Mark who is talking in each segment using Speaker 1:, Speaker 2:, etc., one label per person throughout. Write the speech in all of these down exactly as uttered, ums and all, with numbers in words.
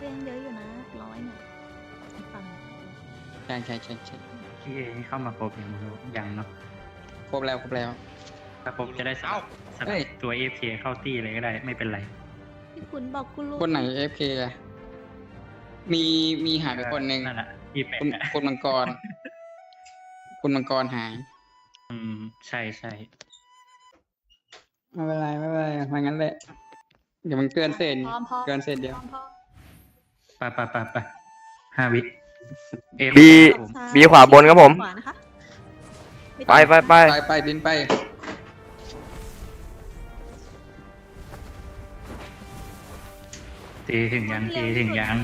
Speaker 1: ยังเยอะอยู่นะร้อยเนี่ยฝั่ง
Speaker 2: ใช่ใช่ใช่ใช่
Speaker 3: พี่เอเข้ามาครบยังไม่รู้ยังเนาะ
Speaker 2: ครบแล้วครบแล้ว
Speaker 3: ถ้าครบจะได้สลับส
Speaker 2: เอ้
Speaker 3: ลั
Speaker 2: ย
Speaker 3: บตัวเอฟเคเข้าตี้เลยก็ได้ไม่เป็นไร
Speaker 1: พี่ขุนบอกคุณลุง
Speaker 2: คนไหนเอฟเคมีมีหายไปคนหนึ่ง
Speaker 3: นั่นแหละที่แปลก
Speaker 2: คุณ
Speaker 3: อะ
Speaker 2: คุณมังกร คุณมังกรหาย
Speaker 3: อืมใช่ใช่
Speaker 2: ไม่เป็นไรไม่เป็นไรมางั้นแหละเดี๋ยวมันเกินเศษ
Speaker 1: พร้อมพร้อม
Speaker 2: เกินเศษเดียว
Speaker 1: พร้อมพร้อม
Speaker 3: ไปไปไปไปห้าวิเอฟ
Speaker 4: บี
Speaker 1: ซ้ย
Speaker 4: บีขวาบนครับผม
Speaker 1: ขวานะคะม่
Speaker 4: ไป
Speaker 1: ต้อง
Speaker 4: ไปไป
Speaker 2: ไปไปบินไป
Speaker 3: ตีถึงยังตีถึงยัง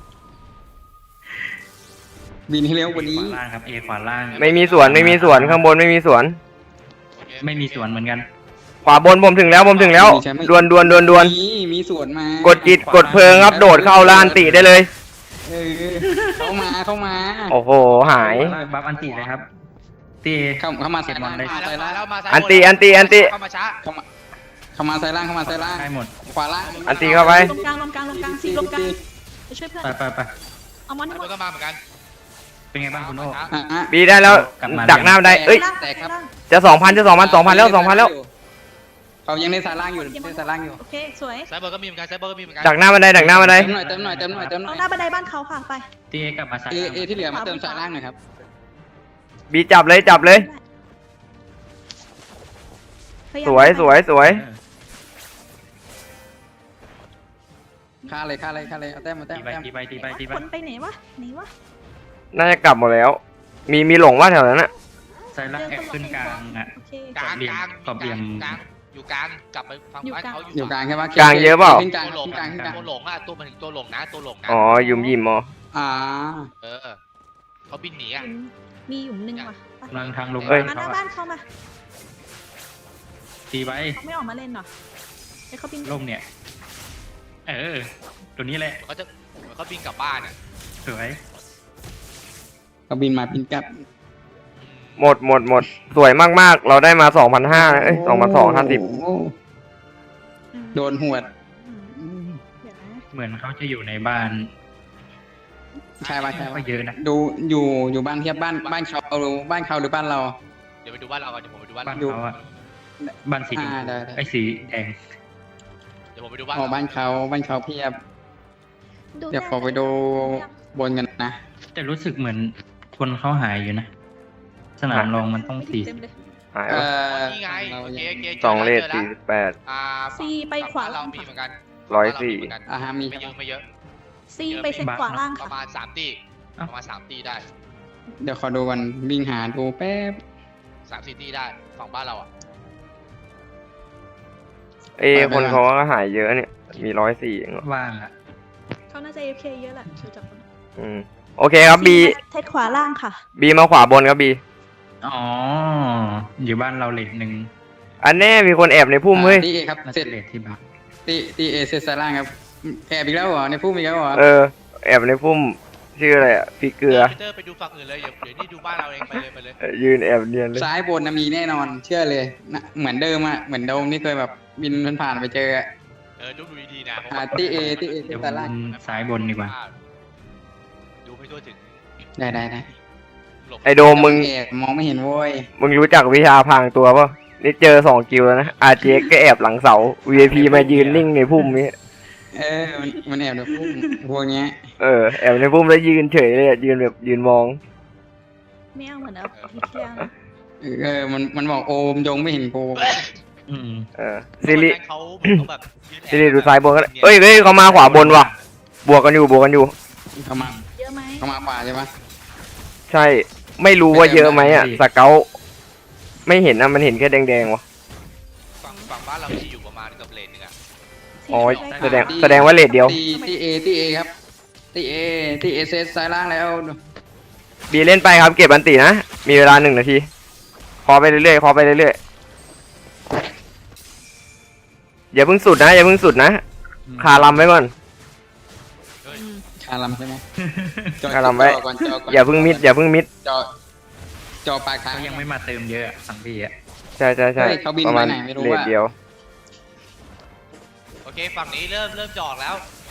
Speaker 2: บินให้เร็วกว่า
Speaker 3: เอ
Speaker 2: นี้
Speaker 3: ขวาล่างครับเอขวาล่าง
Speaker 4: ไม่มีสวนไม่มีสวนข้างบนไม่มีสวน
Speaker 3: ไม่มีสวนเหมือนกัน
Speaker 4: ขวาบนผมถึงแล้วผมถึงแล้วดวนดวนดวนดวน
Speaker 2: มีมีสวนมาก
Speaker 4: ดจิตกดเพลิงครับโดดเข้าลานติได้เลย
Speaker 2: เออเข้ามาเข้ามา
Speaker 4: โอ้โหหาย
Speaker 3: บัฟอันติเลยครับตี
Speaker 2: เข้าเข้ามาใส่
Speaker 3: เสร็จหม
Speaker 2: ล่า
Speaker 3: ด
Speaker 2: ง
Speaker 3: เลย
Speaker 2: เข้ามาใส่ล่าง
Speaker 5: แล้วมาซ้าย
Speaker 4: อันตีอันตีอันตี
Speaker 5: เข้ามาช้า
Speaker 2: เข้ามาเข้ามาใส่ล่างเข้ามาใส่ล่าง
Speaker 3: ได้หมด
Speaker 2: ขวาล่าง
Speaker 4: อันตีเข้าไป
Speaker 1: ลงกลางลงกลางลงกลางซีลงกลางไปช่วยเพื่อน
Speaker 3: ไปไปไป
Speaker 1: เอามันให้หม
Speaker 5: มั
Speaker 1: ด
Speaker 5: นก็มาเหมือนกัน
Speaker 3: เป็นไงบ้างคุณโอ้
Speaker 2: อ่ะอ่ะ
Speaker 4: บีได้แล้ว
Speaker 3: กลับมา
Speaker 4: ดักหน้าได้เอ้ย
Speaker 2: แตกครับ
Speaker 4: จะสองพันจะสองพันสองพันแล้วสองพันแล้ว
Speaker 2: เขายังในสายล่างอยู่ในสายล่างอยู่
Speaker 1: โอเคสวย
Speaker 5: ซ้ายเบอร์ก็มีเหมือนกันซ้ายเบอร์ก็มีเหมือนกัน
Speaker 4: ดักหน้าบันไดดักหน้าบันได
Speaker 2: เติมหน่อยเติมหน่อยเติมหน่อยเติมหน่
Speaker 1: เอา
Speaker 2: อย
Speaker 1: หน้าบันไดบ้านเขาค่ะไป
Speaker 3: ตีเอกลับมาใส่
Speaker 2: เอเอที่เหลือมาเติมสายล่างหน่อยครับ
Speaker 4: บีจับเลยจับเลย
Speaker 1: พาา
Speaker 4: ส
Speaker 1: ม
Speaker 4: วยสวยสวย
Speaker 3: เออ
Speaker 2: ฆ่าเลยฆ่าเลยฆ่าเลยเอาแต้มเอาแต้
Speaker 3: ตี
Speaker 2: ม
Speaker 3: ไป
Speaker 2: แต้ม
Speaker 3: ตีไปตีไปตีไป
Speaker 1: คนไปไหนวะหนีวะ
Speaker 4: น่าจะกลับหมดแล้ว มีมีหลงว่าแถวนั้นอะ
Speaker 3: ใส่ล่างแอบขึ้นกลางอ่ะ
Speaker 1: โอเค
Speaker 5: กลางกลาง
Speaker 3: ขอบเหลี่ยม
Speaker 5: กลางอยู่กลางกลับไปฟัง
Speaker 1: อยู่
Speaker 5: บ้าน
Speaker 1: กลาง
Speaker 5: เขา
Speaker 2: อยู่กลางใช่ปะ
Speaker 4: กลางเยอะเปล่า
Speaker 2: ขึ้นกลาง
Speaker 5: ตัวหลง
Speaker 2: ขึ้นกลางขึ้นกลาง
Speaker 5: ตัวหลงอ่ะตัวมันถึงตัวหลงนะตัวหลงนะ
Speaker 4: อ๋อยุมยิมอ๋อ
Speaker 2: อ่า
Speaker 5: เออเขาบินหนีอ่ะ
Speaker 1: มีหยุมหนึ่งว่ะไป
Speaker 3: กำลังทางลง
Speaker 4: เอ้ย
Speaker 1: มาหน้าบ้านเขามา
Speaker 3: ตีไป
Speaker 1: เขาไม่ออกมาเล่นหรอให้เขาบิน
Speaker 3: ล่มเนี่ย เออ ตัวนี้แหละ
Speaker 5: เขาจะเขาบินกลับบ้านอ่ะ
Speaker 3: สวย
Speaker 2: เขาบินมาบินกลับ
Speaker 4: หมดหมดหมดสวยมากๆ เราได้มาสองพันห้าเอ้ยสองพันสองห้าสิบ
Speaker 2: โอ้โดนหวด
Speaker 1: อืมเดี๋ยวนะ
Speaker 3: เหมือนเขาจะอยู่ในบ้าน
Speaker 2: ใช่ปะใช่
Speaker 3: ก็
Speaker 2: ปะ
Speaker 3: เยอะนะ
Speaker 2: ดูอยู่อยู่บ้านเทียบบ้านบ้านเขาเอาบ้านเขาหรือบ้านเรา
Speaker 5: เดี๋ยวไปดูบ้านเราก่อนเดี๋ยวผมไปดูบ้าน
Speaker 3: บ้าน
Speaker 5: เรา
Speaker 3: เขาอะบ้านสีชม
Speaker 2: อ่า
Speaker 3: พู
Speaker 2: ได้ได้
Speaker 3: ไอ้สีแดง
Speaker 5: เดี๋ยวผมไปดูบ้าน
Speaker 2: อ๋อ
Speaker 5: เรา
Speaker 2: บ้านเขาบ้านเขาเพียบ
Speaker 1: ดู
Speaker 2: เดี๋ยวขอไปดูบนกันนะ
Speaker 3: แต่รู้สึกเหมือนคนเขาหายอยู่นะ สนามรองมันต้องสี่
Speaker 1: เต็มเลย
Speaker 4: หาย
Speaker 2: เอ
Speaker 4: วะ
Speaker 2: อ
Speaker 5: นี่ไง
Speaker 2: เรา
Speaker 5: โอเค
Speaker 2: ยัง
Speaker 5: โอเคจ
Speaker 4: สอง
Speaker 5: แล้ว
Speaker 4: เลท
Speaker 5: จแล้ว
Speaker 4: สี่สิบแปด
Speaker 5: อ่า
Speaker 1: ซีไปขวา
Speaker 5: บ้นเรา
Speaker 1: ล่าง
Speaker 5: มีเหมือนกัน
Speaker 4: ร้อยสี่
Speaker 5: บ้านเามีเหมือนกัน
Speaker 2: อ่าฮะมี
Speaker 5: ไม่เยอะไม่เยอะ
Speaker 1: ซีไปเซตขวาล่าง
Speaker 5: ประ
Speaker 1: ค่ะ
Speaker 5: มาณสามตีประมาณสามตีได้
Speaker 2: เดี๋ยวขอดูกันวิ่งหาดูแป๊บ
Speaker 5: สามสี่ตีได้ฝั่งบ้านเราอ่ะ
Speaker 4: เอ้คนเขาก็หายเยอะเนี่ย มีร้อยสี่เองเหรอ
Speaker 3: ว่างอะ
Speaker 1: เขาน่าจะ เอฟ เค เยอะแหละดูจากคน
Speaker 4: อืมโอเคครับบี
Speaker 1: เซตขวาล่างค่ะ
Speaker 4: บีมาขวาบนครับบี
Speaker 3: อ๋อ อยู่บ้านเราเลทหนึ่ง
Speaker 4: อันแน่มีคนแอบในพุ่มเฮ้ย
Speaker 2: ตีเอครับ
Speaker 3: น่า
Speaker 2: เสร็
Speaker 3: จะ
Speaker 2: จ
Speaker 3: เลทที่บ้าน
Speaker 2: ตีตีเอเสร็จสายล่างครับแอบอีกแล้วเหรอในพุ่มอีกแล้วเหรอ
Speaker 4: เออ แอบในพุ่มชื่ออะไรอ่ะพี่เกลือ
Speaker 5: พีเตอร์ไปดูฝั่งอื่นเลยเดี๋ยวเดี๋ยวนี่ดูบ้านเราเองไปเลยไปเลย
Speaker 4: เออยืนแอบเนียนเลย
Speaker 2: ซ้ายบนนะมีแน่นอน เชื่อเลยนะเหมือนเดิมอ่ะเหมือนโดมที่เคยแบบบินผ่านๆไปเจออะ
Speaker 5: เออดูดูดีๆนะ
Speaker 2: อ่าตีเอตีเอ
Speaker 3: เดี๋ยวผ
Speaker 2: สายล่าง
Speaker 3: มซ้ายบนดีกว่า
Speaker 5: ดูไม่ทั่วถึง
Speaker 2: ได้ได้ได้
Speaker 5: หลบ
Speaker 4: ไอโดมมึง
Speaker 2: แอบมองไม่เห็นโว้ย
Speaker 4: มึงรู้จักวิชาพรางตัวป่ะนี่เจอสองกิลแล้วนะอาร์เจก็แอบหลังเสา วี ไอ พี มายืนนิ่งในพุ่มนี้
Speaker 2: เออมันมันแอบในพุ่มพวกเนี้ย
Speaker 4: เออแอบในพุ่มแล้วยืนเฉยเลยอะยืนแบบยืนมอง
Speaker 1: ไม่เอาเหมือนเอาทีเที่ยง
Speaker 2: เออมันมันบอกโอมยงไม่เห็นกู
Speaker 3: อืม
Speaker 4: เออซิริ
Speaker 5: เขาเหมือนเขาแบบยืนแอบ
Speaker 4: ซิริดูซ้ายบนก็ได้เอ้ยเฮ้ยเขามาขวาบนว่ะ บวกกันอยู่บวกกันอยู่
Speaker 2: เขามา
Speaker 1: เยอะไหม
Speaker 2: เขามาขวาใช่ปะ
Speaker 4: ใช่ ไม่รู้ว่าเยอะไหมอ่ะสเกลไม่เห็นนะมันเห็นแค่แดงๆวะ
Speaker 5: ฝั่งฝั่งบ้านเราที่อยู่ประมาณกับเลนหนึงอ่ะ
Speaker 4: อ๋อ
Speaker 1: ซี
Speaker 4: แสดง
Speaker 1: ไป
Speaker 4: แสดงว่าเลทเดียว
Speaker 2: ตีตีเอตีเอครับตีเอตีเอเซตสายล่างแล้ว
Speaker 4: บีเล่นไปครับเก็บอันตีนะ มีเวลาหนึ่งนาทีขอไปเรื่อยๆขอไปเรื่อยๆอย่าเพิ่งสุดนะอย่าเพิ่งสุดนะคาลำไว้ก่อน
Speaker 1: อืม
Speaker 2: คาลัมใช่ไหมจอ
Speaker 4: คาลัมไว้
Speaker 2: จอก่อนจอก่อน
Speaker 4: อย่าเพิ่งมิดอย่าเพิ่งมิด
Speaker 2: จอจอปลายทาง
Speaker 3: เขายังไม่มาเติมเยอะอะฝั่งพี่อะ
Speaker 4: ใช่ใช่ใช่
Speaker 2: เฮ้ยเขาบิน
Speaker 4: ประมาณ
Speaker 2: ไปไหนไม่รู้
Speaker 4: เลท
Speaker 2: อะ
Speaker 4: เดียว
Speaker 5: โอเคฝั่งนี้เริ่มเริ่มจะออกแล้ว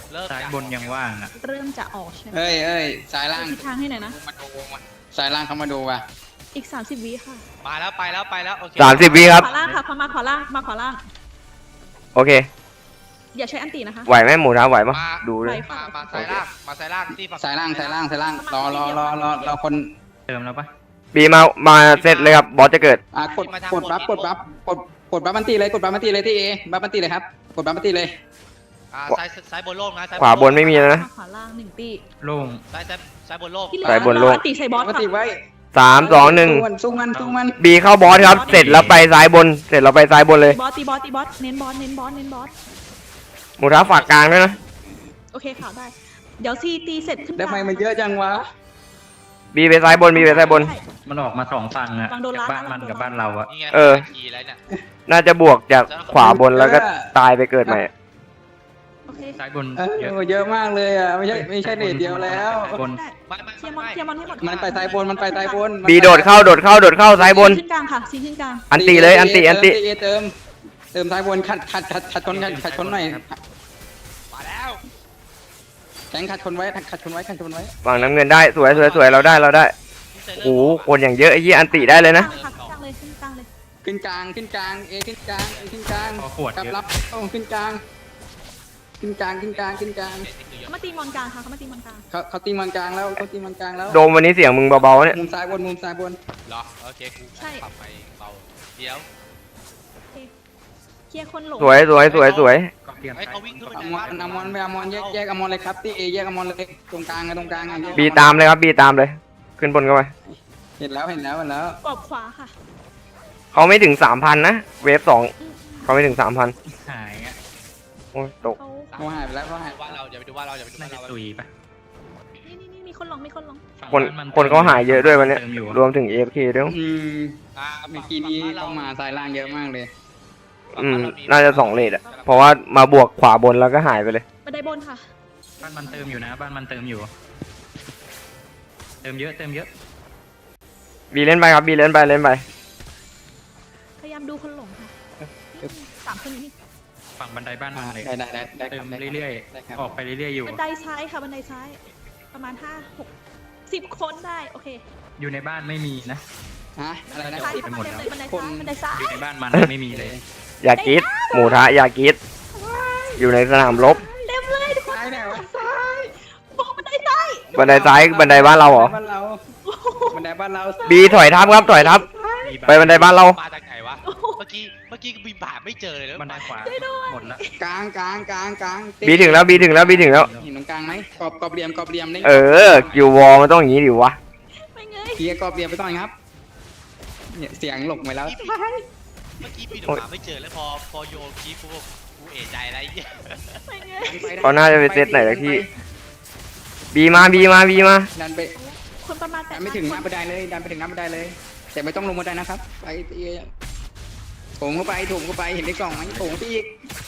Speaker 5: เริ่ม
Speaker 3: ซ้าย
Speaker 5: จาก
Speaker 3: บนยังว่างอ่ะ
Speaker 1: เริ่มจะออกใช่ไหม
Speaker 2: เอ้ยเอ้ยสายล่าง
Speaker 1: ทิศทางให้หน่อยนะ
Speaker 2: มาดูมาสายล่างเขามาดูว่ะ
Speaker 1: อีกสามสิบวิค่ะ
Speaker 5: มาแล้วไปแล้วไปแล้วโอเค
Speaker 4: สามสิบวิครับ
Speaker 1: ขวาล่างค่ะพอมาขวาล่างมาขวาล่าง
Speaker 4: โอเค
Speaker 1: อย่าใช้อันตีนะคะ
Speaker 4: ไหวไหมหมูท้าไหวปะดูเลย
Speaker 5: มามาสายล่างมาสายล่างที่ฝั่ง
Speaker 2: สายล่างสายล่างสายล่างรอรอรอรอรอคน
Speaker 3: เติมแล้วปะ
Speaker 4: บีมามาเซตเลยครับบอสจะเกิด
Speaker 2: อ่ะกดกดบัฟกดบัฟกดกดบัฟบันตีเลยกดบัฟบันตีเลยที่เอบัฟบันตีเลยครับกดบัฟบันตีเลย
Speaker 5: อ่าซ้ายซ้ายบนโล่งนะซ้าย
Speaker 4: ขวาบนไม่มีแล้วนะ
Speaker 1: มาขวาล่างหนึ่งตี
Speaker 3: โล่ง
Speaker 5: ซ้ายซ้ายซ้ายบนโล่ง
Speaker 1: ที่เหลื
Speaker 4: ไปบนโลก
Speaker 1: อันตีใส่บอส
Speaker 2: บัฟบัน
Speaker 1: ค่ะ
Speaker 2: ตีไว้
Speaker 4: สามสองหนึ่ง
Speaker 2: สู้มันสู้มันสู้มัน
Speaker 4: บีเข้าบอสครับ เสร็จแล้วไปซ้ายบน เสร็จแล้วไปซ้ายบนเลย
Speaker 1: บอสตีบอสตีบอสเน้นบอสเน้นบอสเน้นบอส
Speaker 4: หมูท้าฝากกลางด้วยนะ
Speaker 1: โอเคค่ะได้ เดี๋ยวซีตีเสร็จขึ้น
Speaker 2: ได้ไมมันเยอะจังวะ
Speaker 4: บีไปซ้ายบนบีไปซ้ายบน
Speaker 1: ใช่
Speaker 3: มันออกมาสองฝั่งอ่ะ
Speaker 1: วางโดน
Speaker 3: จาก
Speaker 1: ล้าง
Speaker 3: บ้านมัน
Speaker 1: วางโดน
Speaker 3: กับบ้านเราอ่ะ
Speaker 5: นี่ไง
Speaker 4: เออ
Speaker 5: ขี่แล้วเนี่ย
Speaker 4: น่าจะบวกจากขวาบนแล้วก็ตายไปเกิดใหม่
Speaker 1: โอเค
Speaker 3: ซ้ายบน
Speaker 2: เออ
Speaker 3: เยอะ
Speaker 2: เยอะมากเลยอ่ะไม่ใช่ไม่ใช่เดทเดียวแล้ว
Speaker 3: บน
Speaker 1: ได้
Speaker 5: ไม่ไม่
Speaker 1: เคลียร์มอน
Speaker 5: ไม่
Speaker 1: เคลียร์มอนให้หมด
Speaker 2: มันไปซ้ายบนมันไปซ้ายบน
Speaker 4: บีโดดเข้าโดดเข้าโดดเข้าซ้ายบน
Speaker 1: ซีขึ้นกลางค่ะซีขึ้นกลาง
Speaker 4: อันติเลยอันติอันติ
Speaker 2: เเติมเติมซ้ายบนขัดขัดขัดขัดชนขัดขัดชนหน่อย
Speaker 5: มาแล้ว
Speaker 2: แข็งขัดชนไว้ขัดชนไว้ขัดชนไว้
Speaker 4: ฝั่งน้ำเงินได้สวยสวยสวยเราได้เราได้โอ้โหคนอย่างเยอะไอ้ยี่อันติได้เลยนะ
Speaker 1: กลางค่ะกลางเลยขึ้นกลางเลย
Speaker 2: ขึ้นกลางขึ้นกลางเอขึ้นกลางเอขึ้นกลาง
Speaker 3: พอขวด
Speaker 2: กลับ
Speaker 3: เยอะ
Speaker 2: รับต้องขึ้นกลางขึ้นกลางขึ้นกลางขึ้นกลาง
Speaker 1: เขามาตีมอนกลางค่ะเขามาตีมอนกลาง
Speaker 2: เขาเขาตีมันกลางแล้วเขาตีมันกลางแล้ว
Speaker 4: โดมวันนี้เสียงมึงเบาๆเนี่ย
Speaker 2: มุมซ้ายบนมุมซ้ายบน
Speaker 5: เหรอโอเคกูปรับไปเบาเดี๋ยว
Speaker 1: โอเคเคลียร์คนหลง
Speaker 4: สวยสวยสวยสวย
Speaker 3: ก็เตรียม
Speaker 5: ไอ้เขาวิ่งขึ้นไป
Speaker 2: อ
Speaker 5: ใน
Speaker 2: มอ
Speaker 5: บ้าน
Speaker 2: นอมอนไปอมอนแยกแยกอมอนเลยครับที่เอแยกอมอนเลยตรงกลางอะตรงกลางอะแยก
Speaker 4: บีตามเลยครับบีตามเลย ขึ้นบนเข้าไป
Speaker 2: เห็นแล้วเห็นแล้วเห็นแล้ว
Speaker 1: กรอบขวาค่ะ
Speaker 4: เขาไม่ถึงสามพันนะเวฟสองเขาไม่ถึงสามพัน
Speaker 3: หายอ่ะ
Speaker 4: โอ้ยตก
Speaker 1: เขา
Speaker 2: เขาหายไปแล้วเขาหาย
Speaker 5: ว่าเราอย่าไปดูว่าเราอย่าไปดู
Speaker 3: น่า
Speaker 5: ว่า
Speaker 3: จะ
Speaker 5: เรา
Speaker 3: ตุยปะ
Speaker 1: นี่นี่นี่มีคนหลงมีคนหลง
Speaker 3: ฝั่ง
Speaker 4: คน
Speaker 3: บ้มั
Speaker 4: คนเขาหายเยอะด้วยวันเนี้ย
Speaker 3: เติมอยู่
Speaker 4: รวมถึงเอฟเคด้วย
Speaker 2: อืม
Speaker 5: อ่า
Speaker 2: เมื่อกี้นี้เข้ามาซ้ายล่างเยอะมากเลย
Speaker 4: อืมน่าจะสองเลทอะเพราะว่ามาบวกขวาบนแล้วก็หายไปเลย
Speaker 1: บันไดบนค่ะ
Speaker 3: บ้านมันเติมอยู่นะ บ้านมันเติมอยู่ เติมเยอะเติมเยอะ
Speaker 4: บีเล่นไปครับบีเล่นไปเล่นไป
Speaker 1: พยายามดูคนหลงค่ะสามคนนี้
Speaker 3: ฝั่งบันไดบ้านมันเลย
Speaker 2: ได้ได้ได้ได้ค
Speaker 3: เติ
Speaker 2: รับ
Speaker 3: ม
Speaker 2: ได้ครับ
Speaker 3: เรื่อย
Speaker 2: ได้ครับ
Speaker 3: ๆ ออกไปเรื่อยๆอยู่
Speaker 1: บันไดซ้ายค่ะบันไดซ้าย ประมาณห้าหกสิบคนได้โอเค
Speaker 3: อยู่ในบ้านไม่มีนะ
Speaker 2: ฮะอะไรนะ
Speaker 1: ซ้าย
Speaker 3: ไปหมดแล้ว
Speaker 1: เต็มเลยบันไดซ้ายบันไดซ้าย
Speaker 3: อยู่ในบ้านมันไม่มีเลย
Speaker 4: อย่ากรีดหมูทะอย่ากรีดอยู่ในสนามรบ
Speaker 1: เต็มเลยทุกคน
Speaker 2: ซ้ายไหนวะ
Speaker 1: บอกบันไดซ้าย
Speaker 4: บันไดซ้ายบันไดบ้านเราเหรอ
Speaker 2: บ้านเราบันไดบ้านเรา
Speaker 4: บีถอยทับครับถอยทับ ไปบันไดบ้านเรา
Speaker 5: มาจากไหนวะเมื่อกี้เมื่อกี้บินผ่านไม่เจอเลย
Speaker 3: บันไดขวาหมดแล้ว
Speaker 2: กลางกลางกลางกลาง
Speaker 4: บีถึงแล้วบีถึงแล้วบีถึงแล้ว
Speaker 2: เห็นตรงกลางไหมกรอบกรอบเหลี่ยมกรอบเหลี่ยมนี่
Speaker 4: เออกิววอลมันต้องอย่างนี้ดิวะ
Speaker 1: ไม่เงย
Speaker 2: เคลียร์กรอบเหลี่ยมไปต่อยครับเนี่ยเสียงหลบไปแล้ว
Speaker 5: เมื่อกี้บินออกมาไม่เจอแล้วพอพอโยนคีกูกูเอะใจอะไรเงี้ย
Speaker 1: ไม่เงย
Speaker 4: เขาน่าจะไปเซตไหนสักที่ บีมาบีมาบีมา
Speaker 2: ดันไป
Speaker 1: คนประมาณแป
Speaker 2: ดั
Speaker 1: ด
Speaker 2: นไม่ถึงหน้าบันไดเลยดันไปถึงหน้าบันไดเลย แต่ไม่ต้องลงบันไดนะครับไปตีโถมเข้าไปโถมเข้าไปเห็นในกล่องไหมโถมไปอีก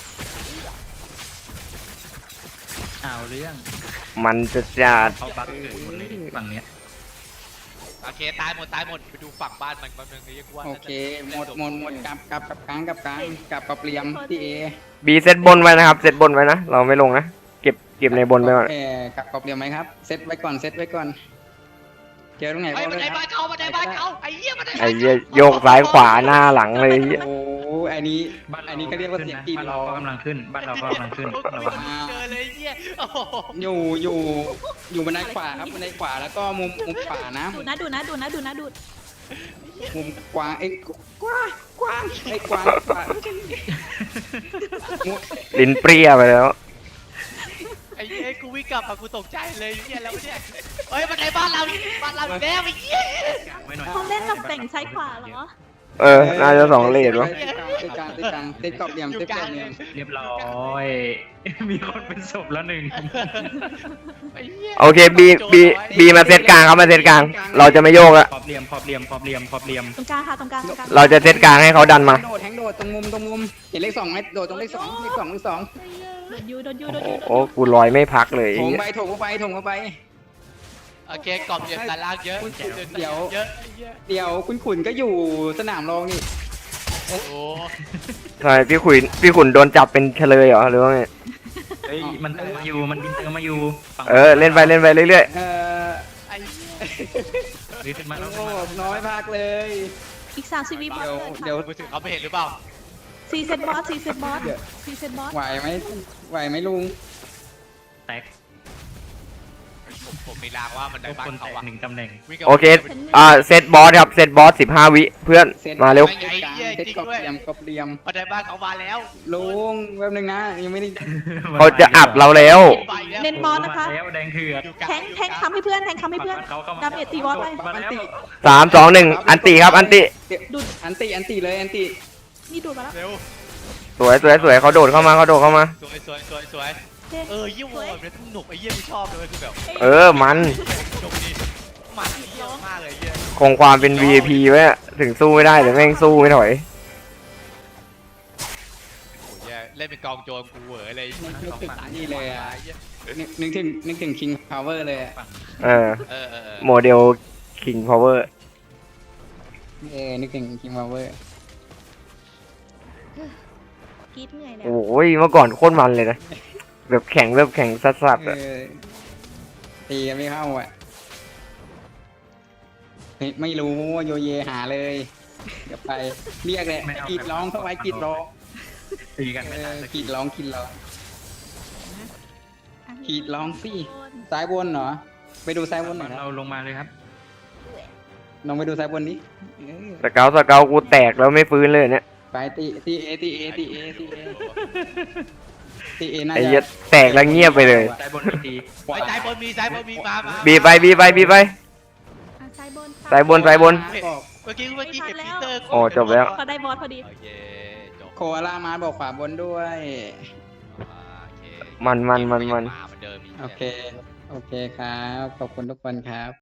Speaker 3: เอาเรื่อง
Speaker 4: มันจะจัด
Speaker 3: เขาบักเกิดหมดเลยฝั่งเนี้ย
Speaker 5: โอเคตายหมดตายหมดไปดูฝั่งบ้านมันมันมันเรียกว่า
Speaker 2: โอเคหมดหมดหมดกลับกลับกลับกลางกลับกลางกลับกรอบเหลี่ยมที่เอ
Speaker 4: บีเซตบนไว้นะครับเซตบนไว้นะเราไม่ลงนะเก็บเก็บในบนไปก่อน
Speaker 2: เออกลับกรอบเหลี่ยมไหมครับเซตไว้ก่อนเซตไว้ก่อนเจอตรงไหน
Speaker 5: ไอ้
Speaker 2: บอก
Speaker 5: บัน
Speaker 2: เล
Speaker 5: ได
Speaker 2: ยค
Speaker 5: บ้า
Speaker 2: รั
Speaker 5: น
Speaker 2: บ
Speaker 5: เขาบันไดบ้านเขาไอ้เหี้ยบันได
Speaker 4: ไอ้เหี้ยโยกซ้ายขวาหน้าหลังเลยเหี้ย
Speaker 2: โอ้อันนี้
Speaker 3: บ้านเรา
Speaker 2: อันนี้ก็เรียกว่าเสียงตีน
Speaker 3: บ้าน
Speaker 2: ร
Speaker 3: เรา
Speaker 2: อ
Speaker 3: ก็กำลังขึ้น บ้านเราก็กำลังขึ้นระวัง
Speaker 5: เจอเลยเหี้ยโอ้โห
Speaker 2: อยู่อยู่อยู่บันไดขวาครับบันไดขวาแล้วก็มุมมุมขวานะ
Speaker 1: ดูนะดูนะดูนะดูนะดู
Speaker 2: มุมกว้างไอ้ยกว้างกว้างไอ้กว้างกว้างมุม
Speaker 4: ลิ้นเปรี้ยไปแล้ว
Speaker 5: ไอ้เหี้ยกูวิ่งกลับมากูตกใจเลยเหี้ยแล้วเนี่ยเฮ้ยบันไดบ้านเราบ้านเราอีกแล้วไอ้เหี้ย
Speaker 3: ไว้หน่อย
Speaker 1: เขาเล่นกับแต่งซ้ายขวาเหรอ
Speaker 4: เออน่าจะสองเลทวะ
Speaker 2: ติดกลางติดกลางติดกรอบเหลี่ยม
Speaker 5: อยู่
Speaker 2: ติด
Speaker 5: ก
Speaker 2: กร
Speaker 5: ลา
Speaker 2: อง บเหลี่ยม
Speaker 3: เรียบร้อย มีคนเป็นศพแล้วหนึ่ง
Speaker 5: ไอ้เหี้ย
Speaker 4: โอเคบีบีบีมาเซตกลางครับมาเซตกลาง เราจะไม่โยกละ
Speaker 3: ขอบเหลี่ยมขอบเหลี่ยมขอบเหลี่ยมขอบเหลี่ยม
Speaker 1: ตรงกลางค่ะตรงกลางตรงกลาง
Speaker 4: เราจะเซตกลางให้เขาดันมา
Speaker 2: โดดแทงโดดตรงมุมตรงมุมเห็นเลขสองไหมโดดตรงเลขสองเลขสองเลขสอง
Speaker 1: โดนยูโดนยู
Speaker 4: โอ้
Speaker 1: โดน
Speaker 4: โห
Speaker 1: ยู
Speaker 4: โอ้กูลอยไม่พักเลย
Speaker 2: โถ
Speaker 4: ไอ้
Speaker 2: ม
Speaker 4: เหี้ย
Speaker 2: ไปโถมเข้าไปโถมเข้าไป
Speaker 5: โอเคกรอบเหลี่ยมด้านล่างเยอะ
Speaker 2: เดี๋ยว
Speaker 5: เยอะไอ้เหี้ย
Speaker 2: เดี๋ยวคุณขุนก็อยู่สนามรองนี่
Speaker 5: โอ้โห
Speaker 4: ใช่พี่ขุนพี่ขุนโดนจับเป็นเฉลยเหรอหรือว่าไง
Speaker 2: เอ
Speaker 3: เฮ้ยมันเติมมาอยู่มันบินเติมมาอยู่ฝั่ง
Speaker 4: เออเล่นไปเล่นไปเรื่อย
Speaker 2: เออ
Speaker 5: ไอ้เหี้ย
Speaker 3: หรือขึ้นมา
Speaker 2: โอ้
Speaker 3: แล้ว
Speaker 2: โหน้อยมากเลย
Speaker 1: อีกสามสิบวิบอส
Speaker 2: เดี๋ยว
Speaker 1: เกิด
Speaker 2: เดี๋ยว
Speaker 5: มือถือเขาไม่เห็นหรือเปล่า
Speaker 1: สี่เซตบอสสี่เซตบอสสี่เซตบอส
Speaker 2: ไหวไหมไหวไหมลุง
Speaker 3: แตก
Speaker 5: ผมผมมีรางว่ามันได้
Speaker 3: ทุก
Speaker 5: บ้า
Speaker 3: คน
Speaker 5: น
Speaker 3: แต
Speaker 5: เขา
Speaker 3: ก
Speaker 5: อะ
Speaker 3: หนึ่งตำแหน่ง
Speaker 5: วิ่งกับ
Speaker 4: ๆ โอเค อ่าเซตบอสครับเซตบอสสิบห้าวิเพื่อนมาเร็ว
Speaker 2: เซตกลางเซตกบเหลี่ยมกบเหลี่ยม
Speaker 5: มันได้บ้านเขามาแล้ว
Speaker 2: ลุงแป๊บนึงนะยังไม่ได้
Speaker 4: เขาจะอัดเราแล้ว
Speaker 5: ไปแล้ว
Speaker 1: เน้นบอสนะคะ
Speaker 3: แล้วแดงเถื่อน
Speaker 5: อยู่กลา
Speaker 1: แทงแทงทำให้เพื่อนแทงทำให้เพื่อน
Speaker 3: เขาเข้ามา
Speaker 1: ดาเมจตีบอสไป
Speaker 3: มาแล้ว
Speaker 4: สามสองหนึ่งอันติครับอันติ
Speaker 1: ดูด
Speaker 2: อันติอันติเลยอันติ
Speaker 1: นี่ดูดมาแล้ว
Speaker 5: เร็ว
Speaker 4: สวยสวยสวยเขาโดดเข้ามาเขาโดดเข้ามา
Speaker 5: สวยสวยสวยสวย
Speaker 1: เฮ้ย
Speaker 5: เออยี่ห้อเนี่ยสนุกไอ้เยี่ยไม่ชอบเลยคือแบบ
Speaker 4: เออมัน
Speaker 5: สนุกดีมันเยี่ยมากเลยเยี่ย
Speaker 4: คงความเป็น วี ไอ พี ไว้อะถึงสู้ไม่ได้แต่แม่งสู้ไม่ถอย
Speaker 5: โอ้ยเยี่ยเล่นเป็นกองโจรกูเหวอเลย
Speaker 2: นึกถึงนี่เลยอ่ะนึกนึกถึงนึกถึง King Power เลยอะ
Speaker 4: เออ
Speaker 5: เออเออเออ
Speaker 4: โมเดล King Power
Speaker 2: เออนึกถึง King Power
Speaker 1: กรีดเหนื่อยแล้ว
Speaker 4: โอ้ยเมื่อก่อนโคตรมันเลยนะ แบบแข่งแบบแข่งสัสๆ
Speaker 2: เอ
Speaker 4: อะ
Speaker 2: อตีกันไม่เข้าอ่ะเฮ้ยไม่รู้โยเยหาเลยเดี๋ยวไปเรียกเลยกรีดร้องเข้าไว้กรีดร้อง
Speaker 3: ตีกัน
Speaker 2: เอ
Speaker 3: ไม่ทัน
Speaker 2: อ
Speaker 3: สัก
Speaker 2: กรี
Speaker 3: ที
Speaker 2: ดร้องกรีดร้อง
Speaker 1: อ่ะ
Speaker 2: กรีดร้องสิ ซ้ายบนเหรอไปดูซ้ายบนหน่อยค
Speaker 3: เรา
Speaker 2: รับ
Speaker 3: ลงมาเลยครับ
Speaker 2: ลองไปดูซ้ายบนนี้เออ
Speaker 4: สเกลสเกลกูแตกแล้วไม่ฟื้นเลยเนี่ย
Speaker 2: ไปตีตีเอตีเอตีเอตีเอตีเอน่า
Speaker 4: ไอ้
Speaker 2: จะ
Speaker 4: เหี้ยแตกแล้วเงียบไปเลย
Speaker 3: ซ้ายบนอีกที
Speaker 2: ขวา
Speaker 5: ไอ้ซ้ายบนมีซ้ายบนมีมามา
Speaker 4: บีไปบีไปบีไป
Speaker 1: อ่ะซ้ายบนค่ะ
Speaker 4: ซ้ายบนซ้ายบน
Speaker 2: บอก
Speaker 5: เมื่อกี้เมื่อกี้เห็นปีเตอร์
Speaker 4: โอ้จบแล้ว
Speaker 1: เขาได้บอสพอดี
Speaker 5: โอเคจบ
Speaker 2: โคอาล่ามาบอกขวาบนด้วย
Speaker 5: อ่าโอเค
Speaker 4: มันมันมันมัน
Speaker 5: มาเหมือนเดิมอีก
Speaker 2: โอเค โอเคครับ ขอบคุณทุกคนครับ